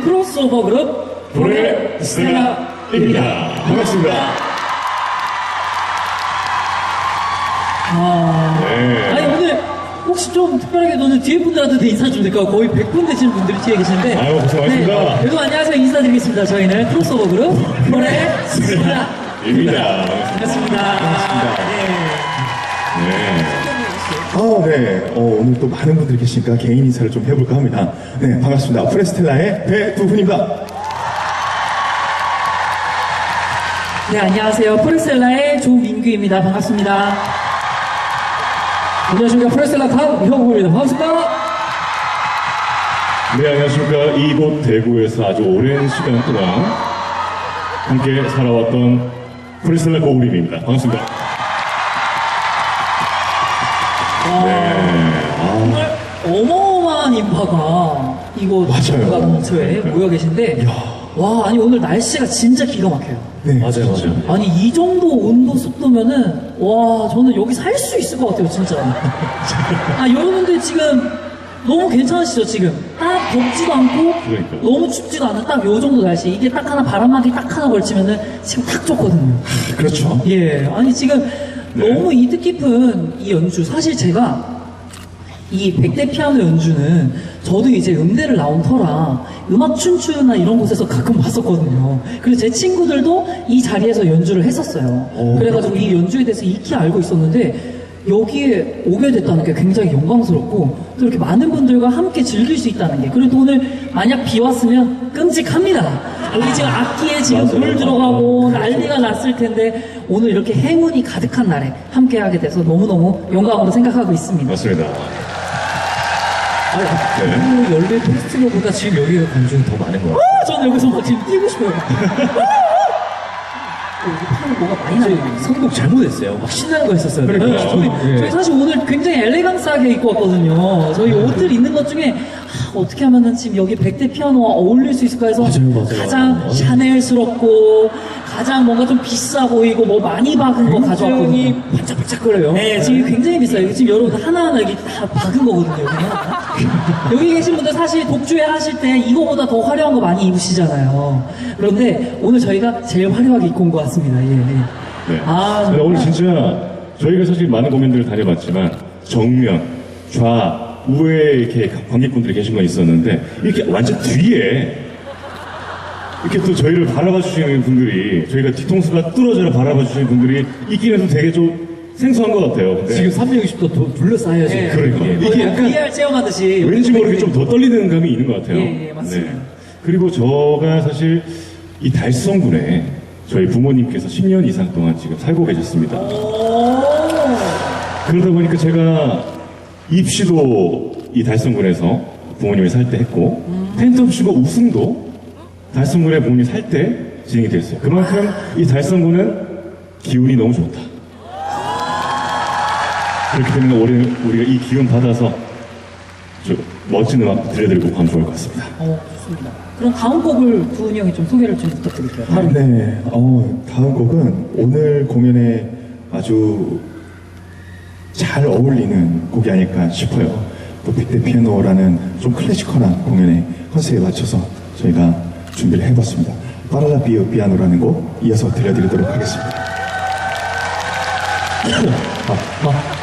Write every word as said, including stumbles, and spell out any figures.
크로스오버 그룹 포레스텔라입니다. 반갑습니다. 아, 네. 아니 오늘 혹시 좀 특별하게 너는 뒤에 분들한테 인사 좀 될까요? 거의 백 분 되시는 분들이 뒤에 계신데. 아유, 고생 많으십니다. 네, 여러분 안녕하세요. 인사드리겠습니다. 저희는 크로스오버 그룹 포레스텔라입니다. 반갑습니다. 반갑습니다. 네. 네. 아, 네. 어, 오늘 또 많은 분들이 계시니까 개인 인사를 좀 해볼까 합니다. 네, 반갑습니다. 포레스텔라의 배두훈입니다. 네, 안녕하세요. 포레스텔라의 조민규입니다. 반갑습니다. 안녕하십니까. 포레스텔라 강형구입니다. 반갑습니다. 네, 안녕하십니까. 이곳 대구에서 아주 오랜 시간 동안 함께 살아왔던 포레스텔라 고우림입니다. 반갑습니다. 정말 어마어마한 인파가 이곳 맞아요. 근처에 모여 계신데, 와, 아니 오늘 날씨가 진짜 기가 막혀요. 네. 맞아요, 맞아요. 아니 이 정도 온도 습도면은 와, 저는 여기 살 수 있을 것 같아요, 진짜. 아, 여러분들 지금 너무 괜찮으시죠? 지금 딱 덥지도 않고 그러니까. 너무 춥지도 않은 딱 요 정도 날씨. 이게 딱 하나 바람막이 딱 하나 걸치면은 지금 딱 좋거든요. 그렇죠. 예, 아니 지금 네. 너무 이 뜻깊은 이 연주, 사실 제가 이 백대 피아노 연주는 저도 이제 음대를 나온 터라 음악 춘추나 이런 곳에서 가끔 봤었거든요. 그리고 제 친구들도 이 자리에서 연주를 했었어요. 오, 그래가지고 이 연주에 대해서 익히 알고 있었는데 여기에 오게 됐다는 게 굉장히 영광스럽고 또 이렇게 많은 분들과 함께 즐길 수 있다는 게, 그리고 또 오늘 만약 비 왔으면 끔찍합니다. 여기 지금 악기에 지금 맞아요. 물 들어가고 난리가 났을 텐데 오늘 이렇게 행운이 가득한 날에 함께하게 돼서 너무너무 영광으로 생각하고 있습니다. 맞습니다. 아니, 네. 네. 열배 페스티벌보다 지금 여기가 관중이 더 많은 것 같아요. 아, 저는 여기서 막 지금 뛰고 싶어요. 여기 파는 뭐가 많이 나요. 선곡 잘못했어요. 막 신나는 거 했었어요. 그러니까 저희, 예. 저희 사실 오늘 굉장히 엘레강스하게 입고 왔거든요. 저희 옷들 있는 것 중에 아, 어떻게 하면은 지금 여기 백대 피아노와 어울릴 수 있을까 해서 맞아요, 맞아요. 가장 맞아요. 샤넬스럽고 가장 뭔가 좀 비싸 보이고 뭐 많이 박은 거 가져왔거든요. 굉장히 반짝반짝거려요. 네, 지금 굉장히 비싸요. 지금 여러분 하나하나 여기 다 박은 거거든요. 여기, 여기 계신 분들 사실 독주회 하실 때 이거보다 더 화려한 거 많이 입으시잖아요. 그런데 오늘 저희가 제일 화려하게 입고 온 것 같습니다. 예, 예. 네. 아, 근데 정말. 오늘 진짜 저희가 사실 많은 공연들을 다녀봤지만 정면, 좌, 우에 이렇게 관객분들이 계신 건 있었는데 이렇게 완전 뒤에 이렇게 또 저희를 바라봐 주시는 분들이, 저희가 뒤통수가 뚫어져라 바라봐 주시는 분들이 있긴 해서 되게 좀 생소한 것 같아요. 근데 지금 삼백육십 도 도 둘러싸여서. 네. 그러니까. 예, 이게 약간 브이알 체험하듯이 왠지 모르게 좀 더 떨리는 감이 있는 것 같아요. 예, 예, 맞습니다. 그리고 저가 사실 이 달성군에 저희 부모님께서 십 년 이상 동안 지금 살고 계셨습니다. 오. 그러다 보니까 제가 입시도 이 달성군에서 부모님이 살 때 했고, 텐트업쇼가 우승도 달성군에 부모님이 살 때 진행이 됐어요. 그만큼 이 달성군은 기운이 너무 좋다. 그렇기 때문에 올해 우리가 이 기운 받아서 좀 멋진 음악 들려드리고 가면 좋을 것 같습니다. 어, 좋습니다. 그럼 다음 곡을 두훈이 형이 좀 소개를 좀 부탁드릴게요. 아, 네. 어, 다음 곡은 오늘 공연에 아주 잘 어울리는 곡이 아닐까 싶어요. 또 백대 피아노라는 좀 클래시컬한 공연의 컨셉에 맞춰서 저희가 준비를 해봤습니다. 파랄라 비오 피아노라는 곡 이어서 들려드리도록 하겠습니다. 아, 아,